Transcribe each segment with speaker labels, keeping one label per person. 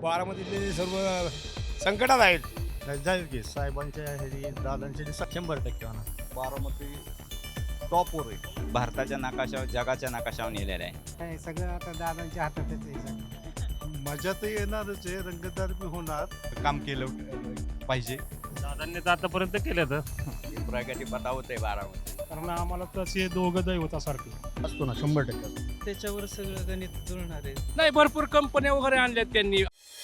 Speaker 1: बारामतीतले सर्व संकटात आहेत.
Speaker 2: जाईल की साहेबांच्या ह्याची दादांच्या 100% होणार. बारामती टॉपवर आहे.
Speaker 3: भारताच्या नकाशावर जगाच्या नकाशावर नेलेलं आहे.
Speaker 4: काय सगळं आता दादांच्या हातातच आहे सगळं.
Speaker 2: मजा तर येणारच आहे, रंगतदार बी होणार.
Speaker 5: काम केलं पाहिजे.
Speaker 6: दादांनी तर आतापर्यंत केलं तर
Speaker 3: प्रगती पथावत आहे बारामती.
Speaker 6: कारण आम्हाला तसे दोघं दैवतासारखे
Speaker 2: असतो ना 100%.
Speaker 4: त्याच्यावर सगळं गणित जुळणार आहे.
Speaker 6: नाही, भरपूर कंपन्या वगैरे आणल्यात त्यांनी.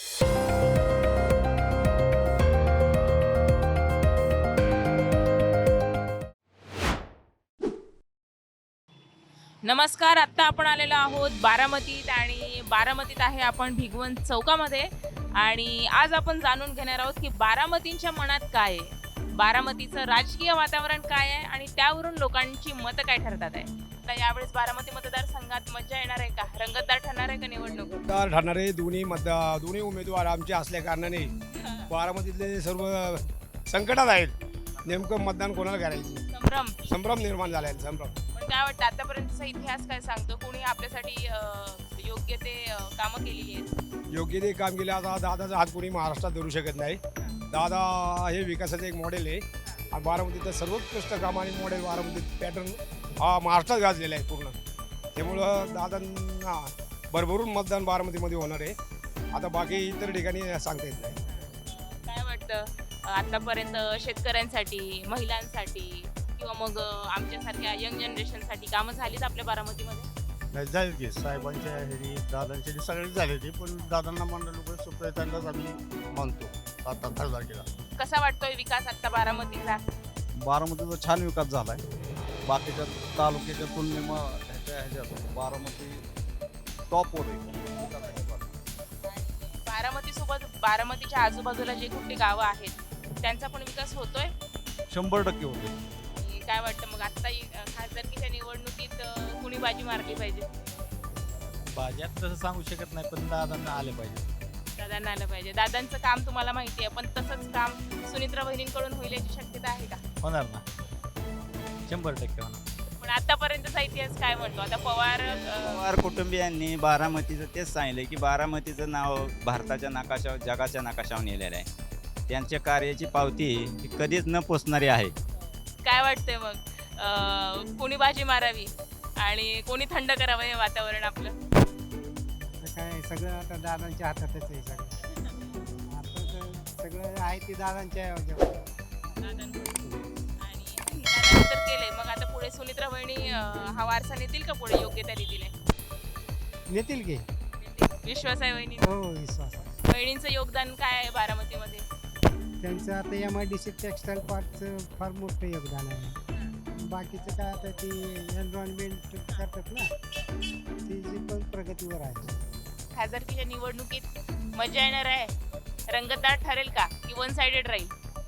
Speaker 7: नमस्कार, आत्ता आपण आलेलो आहोत बारामतीत आणि बारामतीत आहे आपण भिगवण चौकामध्ये. आणि आज आपण जाणून घेणार आहोत की बारामतींच्या मनात काय आहे, बारामतीचं राजकीय वातावरण काय आहे आणि त्यावरून लोकांची मतं काय ठरतात आहे. तर यावेळेस बारामती मतदारसंघात मजा येणार आहे का, रंगतदार ठरणार आहे का निवडणूक?
Speaker 1: मतदार ठरणारे दोन्ही उमेदवार आमचे असल्या कारणाने बारामतीतले सर्व संकटात आहेत. नेमकं मतदान कोणाला करायचं, संभ्रम निर्माण झाला आहे. संभ्रम.
Speaker 7: पण काय वाटतं आतापर्यंतचा इतिहास काय सांगतो, कोणी आपल्यासाठी योग्य ते कामं केलेली आहेत?
Speaker 1: योग्य ते काम केलं. आता दादाचा हात कोणी महाराष्ट्रात धरू शकत नाही. दादा हे विकासाचं एक मॉडेल आहे आणि बारामतीचं सर्वोत्कृष्ट काम आणि मॉडेल बारामतीत पॅटर्न हा महाराष्ट्रात गाजलेला आहे पूर्ण. त्यामुळं दादांना भरभरून मतदान बारामतीमध्ये होणार आहे. आता बाकी इतर ठिकाणी सांगता येत नाही.
Speaker 7: काय वाटतं आतापर्यंत शेतकऱ्यांसाठी, महिलांसाठी किंवा मग आमच्यासारख्या यंग जनरेशनसाठी कामं झालीच आपल्या बारामतीमध्ये?
Speaker 2: जाईल की साहेबांच्या ह्याची दादांच्या सगळी झाली होती, पण दादांना म्हणलं लोक सुप्रियतांनाच आम्ही मानतो आता खासदार केला.
Speaker 7: कसा वाटतोय विकास आता बारामतीचा?
Speaker 2: बारामतीचा छान विकास झाला आहे. बाकीच्या तालुक्याच्या तुलनेत ह्याच्यात बारामती टॉपवर आहे.
Speaker 7: बारामतीसोबत बारामतीच्या आजूबाजूला जे कुठली गावं आहेत त्यांचा पण विकास होतोय?
Speaker 2: 100% होते.
Speaker 7: आणि काय वाटतं मग आत्ता खासदारकीच्या निवडणुकीत कुणी बाजी मारली पाहिजे?
Speaker 2: भाज्यात तसं सांगू शकत नाही, पण दादांना आले पाहिजे.
Speaker 7: दादांना आलं पाहिजे. दादांचं काम तुम्हाला माहिती आहे, पण तसंच काम सुनित्रा बहिणींकडून होईल याची शक्यता आहे का?
Speaker 2: होणार ना, 100% होणार.
Speaker 7: पण आतापर्यंतचा इतिहास काय म्हणतो? आता पवार
Speaker 3: पवार कुटुंबियांनी बारामतीचं तेच सांगितलं की बारामतीचं नाव भारताच्या नकाशावर जगाच्या नकाशावर नेलेलं आहे. त्यांच्या कार्याची पावती ही कधीच न पोचणारी आहे.
Speaker 7: काय वाटतंय मग कोणी बाजी मारावी आणि कोणी थंड करावं हे वातावरण आपलं?
Speaker 4: काय सगळं आता दादांच्या हातातच आहे सगळं. आता तर सगळं आहे ते दादांच्या ह्याच्यावर.
Speaker 7: आणि दादांनी तर केलंय, मग आता पुढे सुनित्रा बहिणी हा वारसा नेतील का पुढे योग्य त्या रीतीने?
Speaker 4: नेतील की?
Speaker 7: विश्वास आहे वहिनी?
Speaker 4: हो, विश्वास आहे.
Speaker 7: बहिणींचं योगदान काय आहे बारामतीमध्ये?
Speaker 4: त्यांचं आता MIDC टेक्स्टाईल पार्कचं फार मोठं योगदान आहे. बाकीचं काय आता ती एन्व्हायरमेंट करतात ना, ती जी पण प्रगतीवर आहे.
Speaker 7: खासदारकीच्या निवडणुकीत मजा येणार आहे, रंगतदार ठरेल का की वन साइडेड राहील?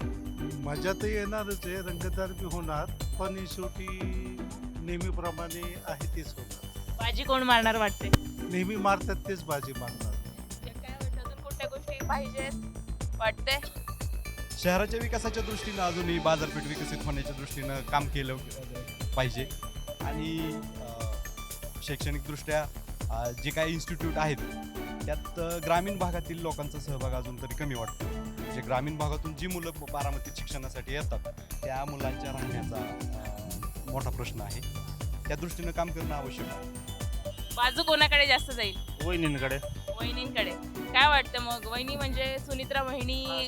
Speaker 2: मजा तर येणारच आहे, रंगतदार बी होणार, पण शेवटी नेहमीप्रमाणे आहे तेच होणार.
Speaker 7: बाजी कोण मारणार वाटते?
Speaker 2: नेहमी मारतात तेच बाजी मारणार.
Speaker 7: काय वाटतं अजून कुठल्या गोष्टी पाहिजेत वाटते?
Speaker 5: शहराच्या विकासाच्या दृष्टीनं अजूनही बाजारपेठ विकसित होण्याच्या दृष्टीनं काम केलं पाहिजे. आणि शैक्षणिकदृष्ट्या जे काही इन्स्टिट्यूट आहेत त्यात ग्रामीण भागातील लोकांचा सहभाग अजून तरी कमी वाटतो. म्हणजे ग्रामीण भागातून जी मुलं बारामतीत शिक्षणासाठी येतात त्या मुलांच्या राहण्याचा मोठा प्रश्न आहे. त्या दृष्टीनं काम करणं आवश्यक आहे.
Speaker 7: बाजू कोणाकडे जास्त जाईल?
Speaker 6: वहिनींकडे.
Speaker 7: वहिनींकडे. काय वाटतं मग वहिनी म्हणजे सुनित्रा बहिणी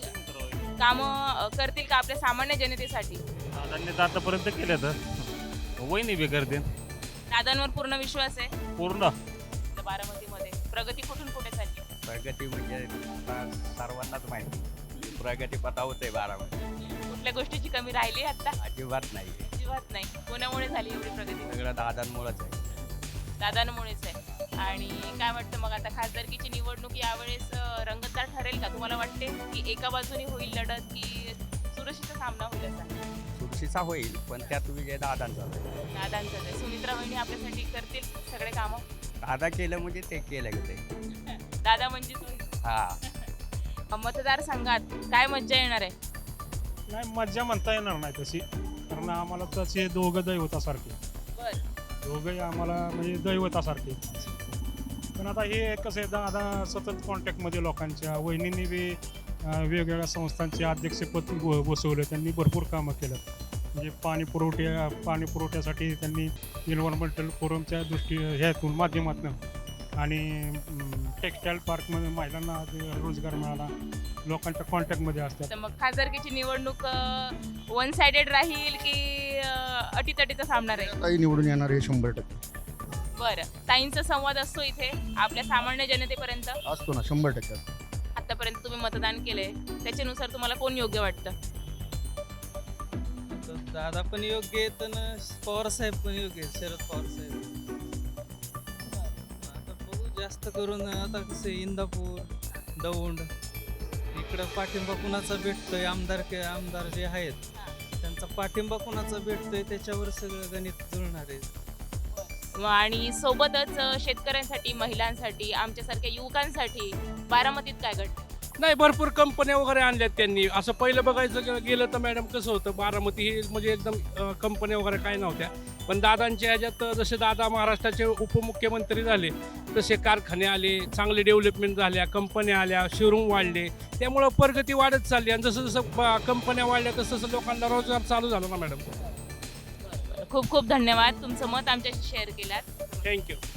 Speaker 7: कामं करतील का आपल्या सामान्य जनतेसाठी?
Speaker 6: दादांनी तर आतापर्यंत केलं तर वहिनी बी करते.
Speaker 7: दादांवर पूर्ण विश्वास आहे
Speaker 6: पूर्ण.
Speaker 7: बारामतीमध्ये प्रगती कुठून कुठे चालली?
Speaker 3: प्रगती म्हणजे सर्वांनाच माहिती, प्रगती पथावत आहे बारामती.
Speaker 7: कुठल्या गोष्टीची कमी राहिली आता?
Speaker 3: अजिबात नाही.
Speaker 7: अजिबात नाही. कोणामुळे झाली एवढी प्रगती?
Speaker 3: सगळं दादांमुळेच आहे.
Speaker 7: दादांमुळेच आहे. आणि काय वाटतं मग आता खासदारकीची निवडणूक यावेळेस रंगतदार ठरेल का? तुम्हाला वाटते की एका बाजूने होईल लढत की चुरशीचा सामना होईल असा?
Speaker 3: चुरशीचा होईल, पण त्यात विजय दादांचा आहे.
Speaker 7: दादांचाच आहे. सुनित्रा बहिणी आपल्यासाठी करतील सगळे कामं?
Speaker 3: दादा केलं म्हणजे ते केलं ते.
Speaker 7: दादा म्हणजे तुम्ही?
Speaker 3: हा.
Speaker 7: मतदारसंघात काय मज्जा येणार आहे?
Speaker 6: नाही, मज्जा म्हणता येणार नाही तशी, कारण आम्हाला तसे दोघं दैवतासारखे.
Speaker 7: बरं.
Speaker 6: दोघंही आम्हाला म्हणजे दैवतासारखे. पण आता हे कसं आहे दादा सतत कॉन्टॅक्टमध्ये लोकांच्या वहिनींनी बी वेगवेगळ्या संस्थांचे अध्यक्षपद बसवलं, त्यांनी भरपूर कामं केलं. म्हणजे पाणी पुरवठ्यासाठी त्यांनी एन्व्हायरमेंटल फोरमच्या ह्यातून माध्यमातून आणि टेक्स्टाईल पार्कमध्ये महिलांना रोजगार मिळाला, लोकांच्या कॉन्टॅक्टमध्ये असतात.
Speaker 7: तर मग खासदारकीची निवडणूक वन साइडेड राहील की अटीतटीचा सामना राहील?
Speaker 8: ताई निवडून येणार हे 100%
Speaker 7: बरं, ताईंचा संवाद असतो इथे आपल्या सामान्य जनतेपर्यंत?
Speaker 8: असतो ना, 100%
Speaker 7: आतापर्यंत तुम्ही मतदान केलंय, त्याच्यानुसार तुम्हाला कोण योग्य वाटतं?
Speaker 9: दादा पण योग्य आहेत आणि पवार साहेब पण योग्य आहेत, शरद पवार साहेब. आता बघू, जास्त करून आता कसं इंदापूर दौंड इकडं पाठिंबा कुणाचा भेटतोय, आमदार जे आहेत त्यांचा पाठिंबा कुणाचा भेटतोय त्याच्यावर सगळं गणित जुळणार आहे.
Speaker 7: आणि सोबतच शेतकऱ्यांसाठी, महिलांसाठी, आमच्यासारख्या युवकांसाठी बारामतीत काय घडतं?
Speaker 10: नाही, भरपूर कंपन्या वगैरे आणल्यात त्यांनी. असं पहिलं बघायचं गेलं तर मॅडम कसं होतं, बारामती ही म्हणजे एकदम कंपन्या वगैरे काय नव्हत्या. पण दादांच्या ह्याच्यात जसे दादा महाराष्ट्राचे उपमुख्यमंत्री झाले तसे कारखाने आले, चांगले डेव्हलपमेंट झाल्या, कंपन्या आल्या, शोरूम वाढले, त्यामुळं प्रगती वाढत चालली. आणि जसं जसं कंपन्या वाढल्या तसं तसं लोकांना रोजगार चालू झाला ना मॅडम.
Speaker 7: खूप खूप धन्यवाद, तुमचं मत आमच्याशी शेअर केलात.
Speaker 10: थँक्यू.